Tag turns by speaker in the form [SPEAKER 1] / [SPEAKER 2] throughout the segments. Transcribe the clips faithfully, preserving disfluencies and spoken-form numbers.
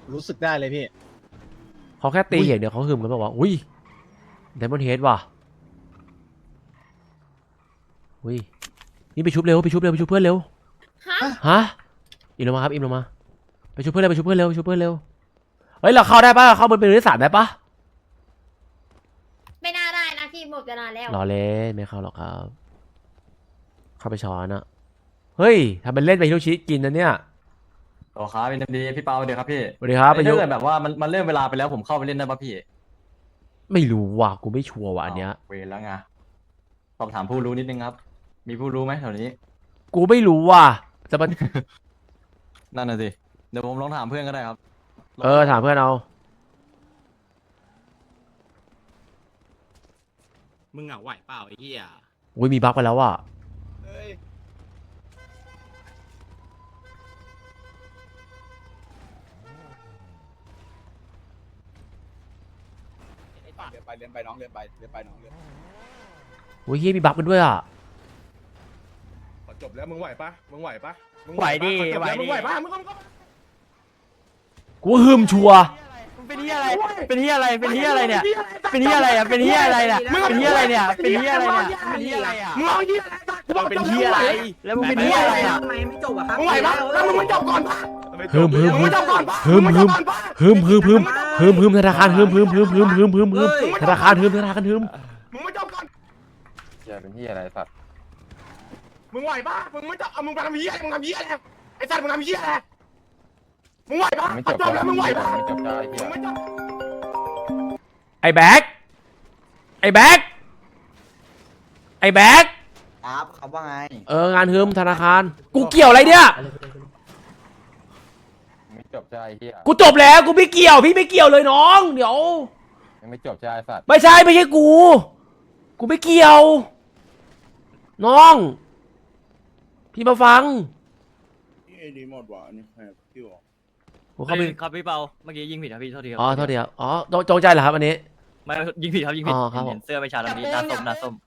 [SPEAKER 1] รู้สึกได้เลยพี่
[SPEAKER 2] เขาแค่ตีอย่างเดียวเขาหึมกันบอกว่าอุ้ยไดมอนด์เฮดว่ะอุ้ยนี่ไปชุบเร็วไปชุบเร็วไปชุบเพื่อนเร็วฮะอิมลงมาครับอิมลงมาไปชุบเพื่อนเร็วไปชุบเพื่อนเร็วไปชุบเพื่อนเร็วเฮ้ยเราเข้าได้ปะเข้าบนเป็นที่สามได้ปะ
[SPEAKER 3] ไม่น่าได้นะพี่หมดเวลาแล้ว
[SPEAKER 2] รอเล่นไม่เข้าหรอกครับเข้าไปช้อนอะเฮ้ยทำเป็นเล่นไปฮิโรชิกินนะเนี่ย
[SPEAKER 4] โอ้ครับเป็นดีพี่เปาเดี๋ยวครับพี่
[SPEAKER 2] สวัสดีครับไป
[SPEAKER 4] ถ้า
[SPEAKER 2] ยุ
[SPEAKER 4] เกิดแบบว่ามันมันเลื่อนเวลาไปแล้วผมเข้าไปเล่นได้ป่ะพี่
[SPEAKER 2] ไม่รู้ว่ะกูไม่ชัวร์ว่ะอันเนี้ย
[SPEAKER 4] เวรแล้วไงสอบถามผู้รู้นิดนึงครับมีผู้รู้ไหมแถวนี้
[SPEAKER 2] กูไม่รู้ว่ะจะมา
[SPEAKER 4] นั่นน่ะสิเดี๋ยวผมลองถามเพื่อนก็ได้ครับ
[SPEAKER 2] เออถามเพื่อนเอา
[SPEAKER 5] มึงเหงาไหวเปล่าไอ้เหี้ย
[SPEAKER 2] อุ้ยมีบั๊กไปแล้วว่ะ
[SPEAKER 1] เรียนไปเรียนไปน้องเรียนไปเรียนไปน้องเรียน
[SPEAKER 2] อุ้ยเฮียมีบั๊กมันด้วยอ่ะ
[SPEAKER 1] จบแล้วมึงไหวปะมึงไหวปะมึง
[SPEAKER 5] ไหวดิ
[SPEAKER 1] ไหวมึงไหวปะมึงก็
[SPEAKER 2] กูหึมชัว
[SPEAKER 5] เป็นเหี้ยอะไรเป็นเหี้ยอะไรเป็นเหี้ยอะไรเนี่ยเป็นเหี้ยอะไรอ่ะเป็นเหี้ยอะไรเนี่ยเป็นเหี้ยอะไรเนี่ยเป็นเหี้ยอะไรเนี่ยเป็นเหี้ยอะไรอ่ะ
[SPEAKER 1] มึงเอาเหี้ยอะไรมึง
[SPEAKER 5] เป็นเหี้ยอะไรแล้วมึงเป็นเหี้ยอะไรอ่ะ
[SPEAKER 1] ทำไมไม่จบอะครับมึงไหวปะแล้วมึงไม่จบก่อนปะ
[SPEAKER 2] หึมหึมหึมหึมหึมหึมหึมหึมหึมหึมธนาคารหึมหึมหึมหึมหึมหึมหึมธนาคารหึมธนาคารหึม
[SPEAKER 1] มึงไม่จบก่อน
[SPEAKER 4] อย่าเป็นที่อะไรสัตว์
[SPEAKER 1] มึงไหวปะมึงไม่จบเอามึงทำเหี้ยมึงทำเหี้ยอะไรไอ้สัตว์มึงทำเหี้ยอะไรมึงไหวปะ
[SPEAKER 4] ไม่จบ
[SPEAKER 1] แล้วมึงไหวปะ
[SPEAKER 4] ไม่จบได้เหี้ย
[SPEAKER 1] ไม่จบ
[SPEAKER 2] ไอ้แบ็คไอ้แบ็คไอ้แบ็ค
[SPEAKER 6] ครับเขาว่าไง
[SPEAKER 2] เอองานฮึมธนาคารกูเกี่ยวอะไรเนี่ย
[SPEAKER 4] ไม่จบใช่เหี้ย
[SPEAKER 2] กูจบแล้วกูไม่เกี่ยวพี่ไม่เกี่ยวเลยน้องเดี๋ยว
[SPEAKER 4] ยังไม่จบใช่สัตว์
[SPEAKER 2] ไม่ใช่ไม่ใช่กูกูไม่เกี่ยวน้องพี่มาฟัง
[SPEAKER 1] พี่ไอดีหมดว่ะนี่ใครพี่บอก
[SPEAKER 2] ผมเข้าไป
[SPEAKER 5] ครับพี่เปาเมื่อกี้ยิงผิดครับพี่โทษทีครับ
[SPEAKER 2] อ๋อโทษทีครับอ๋อจงใจเหรอครับอันนี้
[SPEAKER 5] ไม่ยิงผิดครับยิงผิด
[SPEAKER 2] อ๋อครับผม
[SPEAKER 5] เห็นเสื้อไม่ชาดำนี้หน้าส้มหน้าส้ม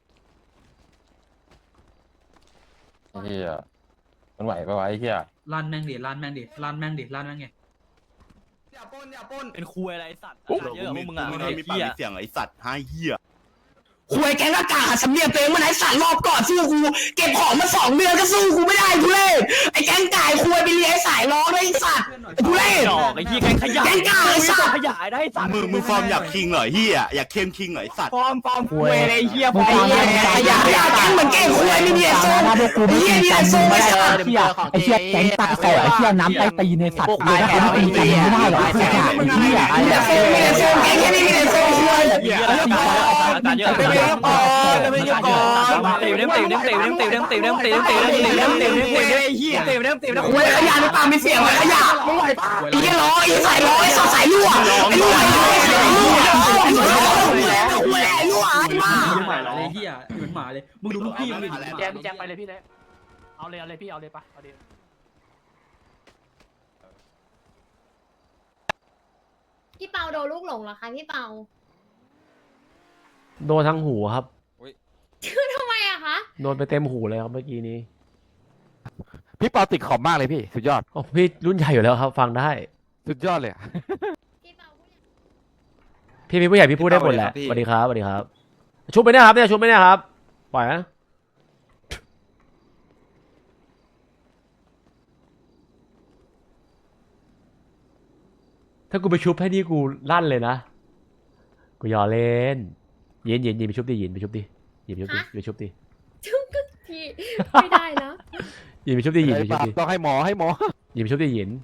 [SPEAKER 4] เหี้ยมันไหวปะวะไอ้เหี้ย
[SPEAKER 7] ลั่นแม่งดิลั่นแม่งดิลั่นแม่งดิลั่นแม่งไง
[SPEAKER 5] อย่าปนอย่าปนเป็นคุยอะไรไอ้สัตว์เยอะมึงอ่ะไอ้
[SPEAKER 8] เหี้
[SPEAKER 5] ย
[SPEAKER 8] เสียงไอ้สัตว์ห้าเหี้ย
[SPEAKER 6] ควยแกงอากาศสำเนียงตัวเองมันไอ้สัตว์รอบก่อนสู้กูเก็บของมาสองเดือนก็สู้กูไม่ได้กูเล่ไอ้แกงก่ายควยไปเลี้ยงสายร้องไอ้สัตว์กูเล่
[SPEAKER 5] ดอกไอ้เหี้ยแกงขยะ
[SPEAKER 6] แกงก่ายไอ้สัตว์
[SPEAKER 5] ขยะได้สัตว์
[SPEAKER 8] มึงมึงฟอร์มอยากคิงเหรอเหี้ยอยากเข้มคิงเหรอไอ้สัตว์
[SPEAKER 5] ฟอร์มฟอร์มคุยไอ้เหี้ยฟอร์ม
[SPEAKER 6] ขยะขยะแกงเหมือนแกงควยไม่มีไอ้โซ่ไอ้เหี้ยมีไอ้โซ่ไอ้สัตว์
[SPEAKER 7] ไอ้เหี้ยไอ้เหี้ยแก๊งตาแสบไอ้เหี้ยน้ำไตตีในสัตว์เลยนะคนตีกันไม่ได้หรอกไอ้เหี้ยไอ้เหี้ยไอ้เหี้ย
[SPEAKER 6] โซ่มีไอ้โซ่แกงแค่นี้มีไอ้โซ่ควย
[SPEAKER 5] เหี้ยการเยอะไปเยอะก่อนไปเยอะก่อนตีเด้งตีเด้งตีเด้งตีเด้งตีเด้งตีเด้งตีเด้งตีเด้งตีเด้งตีเด้งตีเด้งไอ้เหี้ยตีเด้งตีเด้ง
[SPEAKER 6] ควยขยะในปากมีเสียงเลยขยะมึงไหวปะไอ้เหี้ยร้องไอ้สายร้องไอ้สายรั่วไอ้รั่วไอ้รั่วไอ้รั่วไอ้รั่วไอ้รั่วไอ้มา
[SPEAKER 7] หมาเลยเหี้ยเหมือนหมาเลยมึงดูลูกพี่มึงดิ
[SPEAKER 5] แจมแจมไปเลยพี่เลยเอาเลยเอาเลยพี่เอาเลยปะเอาเลย
[SPEAKER 3] พี่เปาโดนลูกหลงเหรอคะพี่เปา
[SPEAKER 2] โดนทั้งหูครับ
[SPEAKER 3] คือทำไมอะคะ
[SPEAKER 2] โดนไปเต็มหูเลยครับเมื่อกี้นี้
[SPEAKER 9] พี่เปาติดขอบมากเลยพี่สุดยอด
[SPEAKER 2] โอ้พี่รุ่นใหญ่อยู่แล้วครับฟังได้
[SPEAKER 9] สุดยอดเลย
[SPEAKER 3] พี่เปาผู้ใหญ่
[SPEAKER 2] พี่มีผู้ใหญ่พี่พูดได้หมดแหละสวัสดีครับสวัสดีครับชุบไปเนี่ยครับเนี่ยชุบไปเนี่ยครับปล่อยนะถ้ากูไปชุบให้นี่กูลั่นเลยนะกูยอเล่นเย็นเย็นเย็นไปชุบดิเย็นไปชุบดิเย็นไปชุบดิไปชุบดิ
[SPEAKER 3] ชุบก็พี่ไม่ได้นะ
[SPEAKER 2] เย็นไปชุบดิเย็นไปชุบดิ
[SPEAKER 9] ต้องให้หมอให้หมอ
[SPEAKER 2] เย็นไปชุบดิเย็น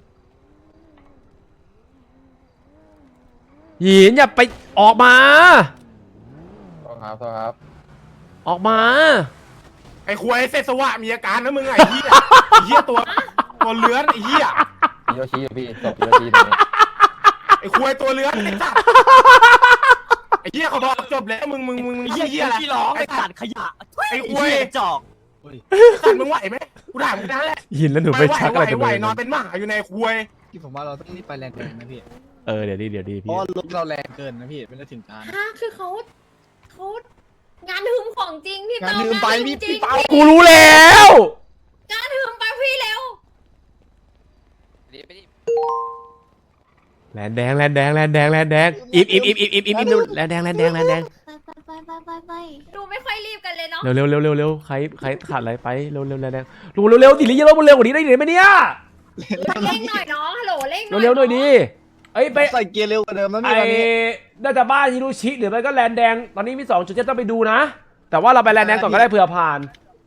[SPEAKER 2] หยินอย่าไปออกมา
[SPEAKER 4] ต้องครับต้องครับ
[SPEAKER 2] ออกมา
[SPEAKER 1] ไอ้ควยเซสวะมีอาการนะมึงไอ้เหี้ยไอ้เหี้ยตัวตัวเลื้อนไอ้เหี้ย
[SPEAKER 4] ฮิโรชิพี่จบฮิโรชิตรงนี้
[SPEAKER 1] ไอ้ควยตัวเลื้อนไอ้สัตว์ไอ้เหี้ยเขาบอกจบแล้วมึงมึงมึงเหี้ยเหี้ยอะไร
[SPEAKER 5] ที่ร้องไอ้สัตว์ขยะ
[SPEAKER 1] ไอ้ควย
[SPEAKER 5] จอก
[SPEAKER 1] สัตว์มึงไหวไหมกูถามมึงนั่นแหละ
[SPEAKER 2] ยินแล้วหนูไปชักอะไรกัน
[SPEAKER 1] ไหวๆนอนเป็นหมาอยู่ในควย
[SPEAKER 6] ที่ผมว่าเราต้องรีบไปแลนด์เองนะพี่
[SPEAKER 2] เออเดี๋ยวดีเดี๋ยวดีพี่
[SPEAKER 6] เพราะลุกเราแรงเกินนะพี่เป็นถึงการ
[SPEAKER 3] ฮะคือเขาเขางานหืมของจริงพี่เปาง
[SPEAKER 6] านหืมไปพี่พี่เปา
[SPEAKER 2] กูรู้แล้ว
[SPEAKER 3] งานหืมไปพี่เร็ว
[SPEAKER 2] แลนแดงแลนแดงแลนแดงแลนแดงอิบอิบอิบอิบอิบอิบอิบแลนแดงแลนแดงแลนแดง
[SPEAKER 3] ไปไปไปไปไปดูไม่ค่อยรีบกันเลยเนาะ
[SPEAKER 2] เร็วเร็วเร็วเร็วเร็วใครใครขาดอะไรไปเร็วเร็วแลนแดงดูเร็วเร็วดิลิเยอะเร็วกว่านี้ได้ไหมเนี่ย
[SPEAKER 3] เร่งหน่อยน้องฮัลโหลเร่งหน่อย
[SPEAKER 2] เร็วๆหน่อยดิเอ้ยไป
[SPEAKER 1] ใส่เกียร์เร็วกว่าเดิมแล้ว
[SPEAKER 2] ไอ้น่าจะบ้านฮิโรชิหรือไม่ก็แลนแดงตอนนี้มีสองจุดที่ต้องไปดูนะแต่ว่าเราไปแลนแดงก่อนก็ได้เผื่อผ่าน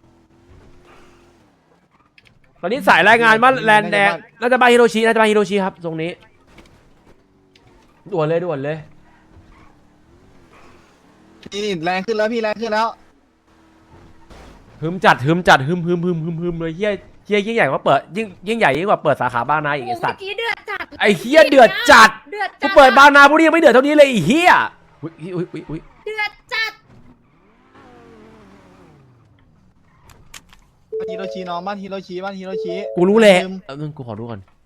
[SPEAKER 2] ตอนนี้สายรายงานว่าแลนแดงน่าจะบ้านฮิโรชิน่าจะบ้านฮิโรชิครับตรงนี้ด่วนเลยด่วนเลย
[SPEAKER 1] พี่แรงขึ้นแล้วพี่แรงขึ้นแล้ว
[SPEAKER 2] ฮึมจัดฮึมจัดฮึมฮึมฮึมฮึมฮึมเลยเฮียเฮียยิ่งใหญ่กว่าเปิดยิ่งยิ่งใหญ่ยิ่งกว่าเปิดสาขาบ้านนาอีกไอ้สัตว์
[SPEAKER 3] เมื่อกี้เดือดจัด
[SPEAKER 2] ไอ้เฮียเดือดจัด
[SPEAKER 3] เดือด
[SPEAKER 2] กู
[SPEAKER 3] จัด
[SPEAKER 2] เปิดบ้านนาพวกนี้ยังไม่เดือดเท่านี้เลยไอ้เฮียอุ้ยอุ้ยอุ้ยอุ้ย
[SPEAKER 3] เดือดจัด
[SPEAKER 1] บ้านฮิโรชิน้องบ้านฮิโรชิบ้านฮิโรชิ
[SPEAKER 2] กูรู้เลยเออมึงกูขอดูก่อน